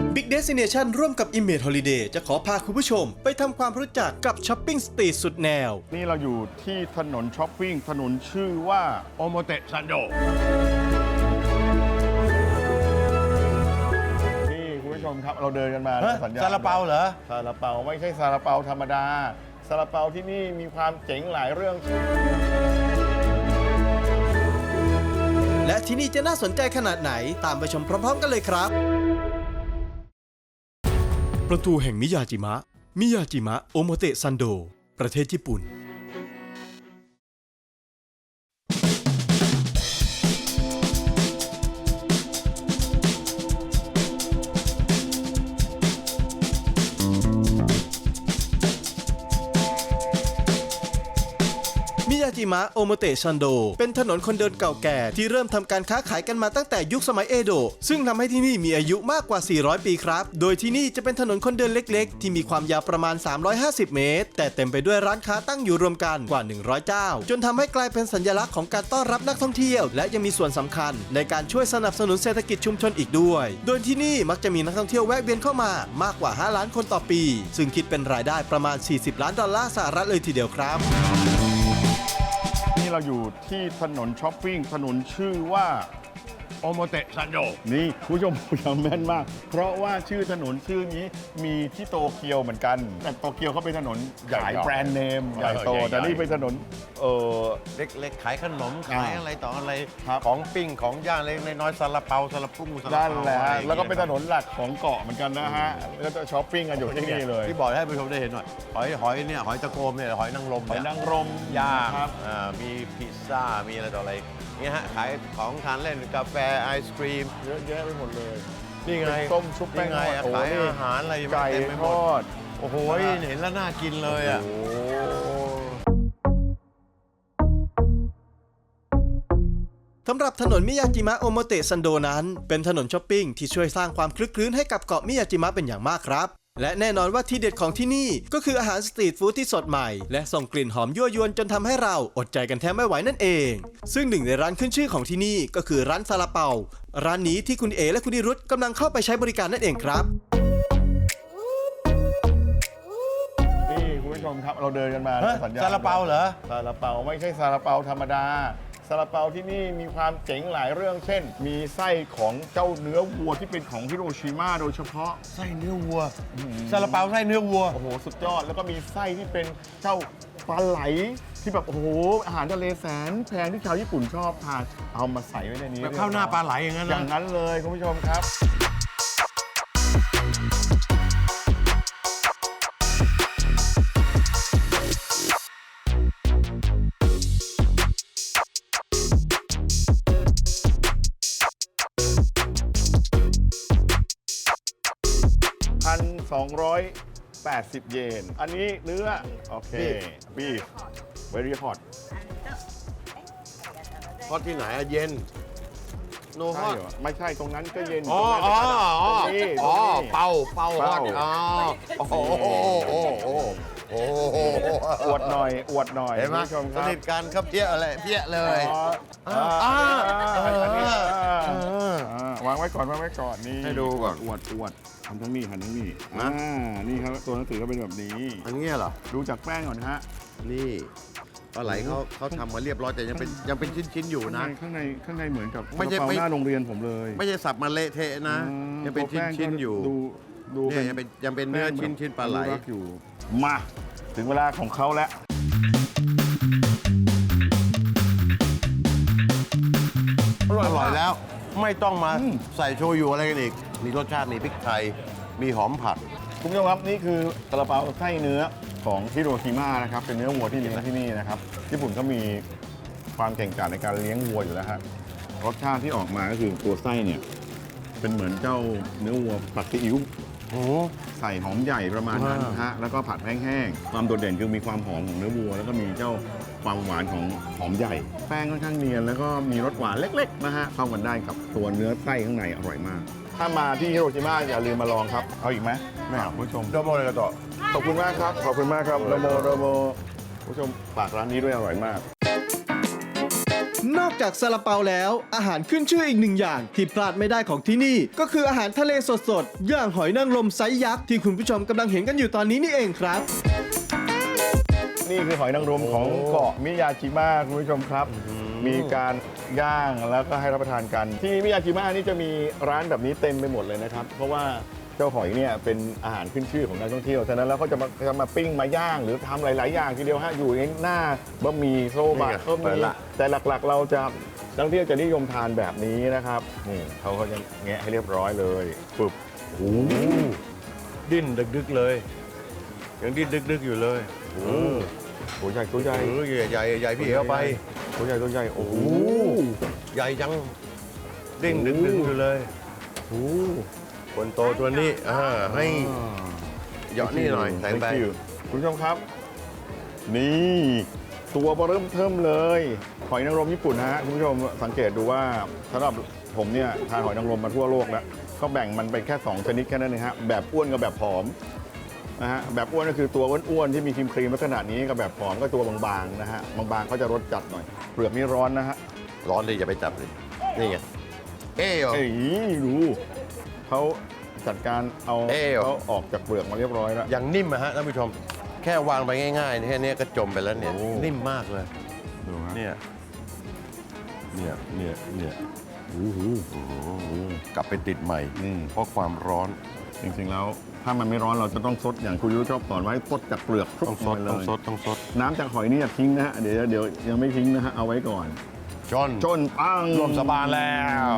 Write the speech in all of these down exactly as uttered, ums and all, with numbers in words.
Big Destination ร่วมกับ Image Holiday จะขอพาคุณผู้ชมไปทำความรู้จักกับช้อปปิ้งสตรีทสุดแนวนี่เราอยู่ที่ถนนช้อปปิ้งถนนชื่อว่าโอโมเตะซันโดนี่คุณผู้ชมครับเราเดินกันมาสัญญาณซาลาเปาเหรอซาลาเปาไม่ใช่ซาลาเปาธรรมดาซาลาเปาที่นี่มีความเจ๋งหลายเรื่องและที่นี่จะน่าสนใจขนาดไหนตามไปชมพร้อมๆกันเลยครับประตูแห่งมิยาจิมะ มิยาจิมะโอโมเตะซันโด ประเทศญี่ปุ่นมิยาจิมะโอโมเตะซันโดเป็นถนนคนเดินเก่าแก่ที่เริ่มทำการค้าขายกันมาตั้งแต่ยุคสมัยเอโดะซึ่งทำให้ที่นี่มีอายุมากกว่าสี่ร้อยปีครับโดยที่นี่จะเป็นถนนคนเดินเล็กๆที่มีความยาวประมาณสามร้อยห้าสิบเมตรแต่เต็มไปด้วยร้านค้าตั้งอยู่รวมกันกว่าหนึ่งร้อยเจ้าจนทำให้กลายเป็นสัญลักษณ์ของการต้อนรับนักท่องเที่ยวและยังมีส่วนสำคัญในการช่วยสนับสนุนเศรษฐกิจชุมชนอีกด้วยโดยที่นี่มักจะมีนักท่องเที่ยวแวะเวียนเข้ามามากกว่าห้าล้านคนต่อปีซึ่งคิดเป็นรายได้ประมาณสี่สิบล้านดอลลาร์สหรัฐเลยทีเดียวครับนี่เราอยู่ที่ถนนช้อปปิ้งถนนชื่อว่าโอโมเตะซันโดนี่คุณผู้ชมจำแม่นมากเพราะว่าชื่อถนนชื่อนี้มีที่โตเกียวเหมือนกันแต่โตเกียวเขาเป็นถนนขายแบรนด์เนมใหญ่โตแต่นี่เป็นถนนเออเล็กๆขายขนมขายอะไรต่ออะไรครับของปิ้งของย่างเล็กน้อยๆซาลาเปาซาลาปุ้งซาลาด้านเปาแหละอะไรอย่างแล้วก็งี้ยเป็นถนนหลักของเกาะเหมือนกันนะฮะแล้วก็ช้อปปิ้งกันอยู่ที่นี่เลยที่บอกให้ผู้ชมได้เห็นหน่อยหอยหอยเนี่ยหอยตะโกมเนี่ยหอยนางรมหอยเนี่ยนางรมย่างครับอ่ามีพิซซ่ามีอะไรต่ออะไรเนี่ยฮะขายของทานเล่นกาแฟไอศครีมเยอะแยะไปหมดเลยนี่ไงเป็นส้มชุบแป้งนี่ไงทอดขายโอ้โหอาหารอะไรไก่เต็มไปหทมดอดโอ้โหเห็นแล้วน่ากินเลยอ่ะโอ้สำหรับถนนมิยาจิมะโอโมเตะซันโดนั้นเป็นถนนช้อปปิ้งที่ช่วยสร้างความคลึกคลื้นให้กับเกาะมิยาจิมะเป็นอย่างมากครับและแน่นอนว่าที่เด็ดของที่นี่ก็คืออาหารสตรีทฟู้ดที่สดใหม่และส่งกลิ่นหอมยั่วยวนจนทำให้เราอดใจกันแทบไม่ไหวนั่นเองซึ่งหนึ่งในร้านขึ้นชื่อของที่นี่ก็คือร้านซาลาเปาร้านนี้ที่คุณเอและคุณนิรุตกำลังเข้าไปใช้บริการนั่นเองครับนี่คุณผู้ชมครับเราเดินกันมาฮะสัญญาณซาลาเปาเหรอซาลาเปาไม่ใช่ซาลาเปาธรรมดาซาลาเปาที่นี่มีความเจ๋งหลายเรื่องเช่น มีไส้ของเจ้าเนื้อวัวที่เป็นของฮิโรชิมาโดยเฉพาะไส้เนื้อวัวซาลาเปาไส้เนื้อวัวโอ้โหสุดยอดแล้วก็มีไส้ที่เป็นเจ้าปลาไหลที่แบบโอ้โหอาหารทะเลแสนแพงที่ชาวญี่ปุ่นชอบทานเอามาใส่ไว้ในนี้แบบข้าวหน้าปลาไหลอย่างนั้นอนะย่างนั้นเลยคุณผู้ชมครับพันสองร้อยแปดสิบเยนอันนี้เนื้อโอเคบีฟ very hot ทอดที่ไหนอะเย็นโนฮใช่อตเหรอไม่ใช่ตรงนั้นก็เย็นอ๋ออ๋ออ๋อตรงนี้อ๋อตรงนี้เป่าเป่าฮอตเป่าอ๋อโอ้โหโอ้โหโอ้โหโอ้โหอวดหน่อยอวดหน่อยเห็นไหมคุณผู้ชมคสรับนิทกันครับเพี้ยอะไรเพี้ยเลยอ๋ออ่าอ่าอ่าอันนี้อ่าอ่าอ่าวางไว้ก่อนวางไว้ก่อนนี่ให้ดูก่อนอวดอวดทำทั้งนี้ทำทั้งนี้นะอ่านี่ครับตัวหนังสือก็เป็นแบบนี้อันนี้เหรอดูจากแป้งก่อนฮะนี่ปลาไหลเขาเขาทำมาเรียบร้อยแต่ยังเป็นยังเป็นชิ้นๆอยู่นะข้างในข้างในเหมือนกับไม่ใช่กระเป๋าไม่หน้าโรงเรียนผมเลยไม่ใช่สับมาเละเทะนะอืมยังเป็นตัวแป้งชิ้นก็ๆอยู่ดูดูเนี่ยยังเป็นยังเป็นเนื้อแป้งแบบชิ้นๆปลาไหลอนุรักษ์อยู่มาถึงเวลาของเขาแล้วอร่อยแล้วไม่ต้องมาอืมใส่โชยุอะไรกันอีกมีรสชาติมีพริกไทยมีหอมผัดคุณผู้ชมครับนี่คือซาลาเปาไส้เนื้อของฮิโรชิมานะครับเป็นเนื้อวัวที่เลี้ยงที่นี่นะครับญี่ปุ่นก็มีความเก่งกาจในการเลี้ยงวัวอยู่แล้วฮะรสชาติที่ออกมาก็คือตัวไส้เนี่ยเป็นเหมือนเจ้าเนื้อวัวผัดซีอิ๊วโอ้ใส่หอมใหญ่ประมาณนั้นอ่าฮะแล้วก็ผัดแห้งๆความโดดเด่นคือมีความหอมของเนื้อวัว แล้วก็มีเจ้าความหวานของหอมใหญ่ แป้งค่อนข้างเนียนแล้วก็มีรสหวานเล็กๆนะฮะเข้ากันได้กับตัวเนื้อไส้ข้างในอร่อยมาก ถ้ามาที่ฮิโรชิมาอย่าลืมมาลองครับเอาอีกไหมไม่เอาคุณผู้ชมโดโมเลยกระต่อขอบคุณมากครับ ขอบคุณมากครับโรโมโรโมผู้ชมฝากร้านนี้ด้วยอร่อยมากนอกจากซาลาเปาแล้วอาหารขึ้นชื่ออีกหนึ่งอย่างที่พลาดไม่ได้ของที่นี่ก็คืออาหารทะเลสดๆอย่างหอยนางรมไซส์ยักษ์ที่คุณผู้ชมกำลังเห็นกันอยู่ตอนนี้นี่เองครับนี่คือหอยนางรมของเกาะมิยาจิมะคุณผู้ชมครับ มีการย่างแล้วก็ให้รับประทานกัน ที่มิยาจิมะนี่จะมีร้านแบบนี้เต็มไปหมดเลยนะครับ เพราะว่าเจ้าหอยเนี่ยเป็นอาหารขึ้นชื่อของนักท่องเที่ยวฉะนั้นแล้วเขาจะมาจะมาปิ้งมาย่างหรือทำหลาย ๆ อย่างทีเดียวฮะอยู่ในหน้าบะหมี่โซบะนี่ไงก็เปิมีดละแต่หลัก ๆ เราจะนักท่องเที่ยวจะนิยมทานแบบนี้นะครับนี่เขาก็จะแงะให้เรียบร้อยเลยปึ๊บโอ้โหดิ้นดึกๆเลย ยังดิ้นดึกๆอยู่เลยโอ้โหตัวใหญ่ตัวใหญ่เออใหญ่ใหญ่พี่เอาไปตัวใหญ่ตัวใหญ่โอ้โหใหญ่จังดิ้นดึกๆอยู่เลยโอ้โหคนโตตัวนี้อ่าให้เหยาะนี่หน่อยใส่ไป Thank you คุณผู้ชมครับ นี่ตัวเบอเริ่มเทิมเลยหอยนางรมญี่ปุ่นนะฮะคุณผู้ชมสังเกตดูว่าสำหรับผมเนี่ยทานหอยนางรมมาทั่วโลกแล้วก็แบ่งมันเป็นแค่สองชนิดแค่นั้นเองฮะแบบอ้วนกับแบบผอมนะฮะแบบอ้วนก็คือตัวอ้วนๆที่มีครีมครีมลักษณะนี้กับแบบผอมก็ตัวบางๆนะฮะบางๆเขาจะรสจัดหน่อยเปลือกนี่ร้อนนะฮะร้อนเลยอย่าไปจับเลยนี่ไงเอ้ยเอ้ยดูเขาจัดการเอาเอ้ยเขาออกจากเปลือกมาเรียบร้อยแล้วอย่างนิ่มอะฮะท่านผู้ชม แค่วางไปง่ายๆแค่นี้ก็จมไปแล้วเนี่ยโอ้นิ่มมากเลยดูฮะเนี่ยเนี่ยเนี่ยเนี่ยโอ้โหกลับไปติดใหม่อืมเพราะความร้อนจริงๆแล้วถ้ามันไม่ร้อนเราจะต้องซดอย่างคุณยุ้ยชอบสอนไว้ซดจากเปลือกต้องซดลต้องยซดต้องซดน้ำจากหอยนี่อย่าทิ้งนะฮะเดี๋ยวเดี๋ยวยังไม่ทิ้งนะฮะเอาไว้ก่อนจนจนปังรวมสบานแล้ว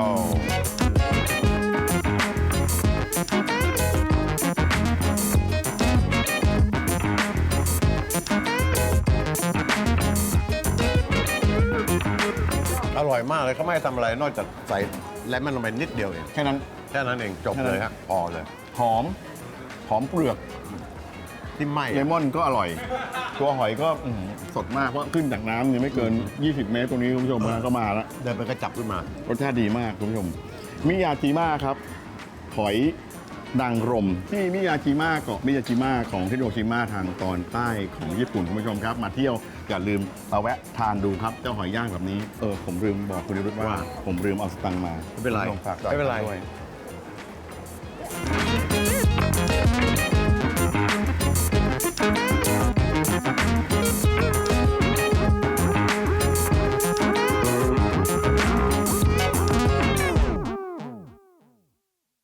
อร่อยมากเลยเขาไม่ให้ทำอะไรนอกจากใส่เลมอนลงไปนิดเดียวเองแค่นั้นแค่นั้นเองจบแค่นั้นเลยฮะพอเลยหอมหอมเปลือกที่ไหม้เลมอนก็อร่อย ตัวหอยก็อื้อหือสดมากเพราะขึ้นจากน้ำเนี่ยไม่เกิน ยี่สิบ เมตรตรงนี้คุณผู้ชมนะก็มาแล้วเดินไปก็จับขึ้นมารสชาติดีมากคุณผู้ชมมิยาจิมะครับหอยนางรมที่มิยาจิมะเกาะมิยาจิมะของฮิโรชิมาทางตอนใต้ของญี่ปุ่นคุณผู้ชมครับ มาเที่ยวอย่าลืมมาแวะทานดูครับเจ้าหอยย่างแบบนี้เออผมลืมบอกคุณนิรุตว่าว่าผมลืมเอาสตังค์มาไม่เป็นไรคุณผู้ชฝากจ่ายไม่เป็นไรด้วย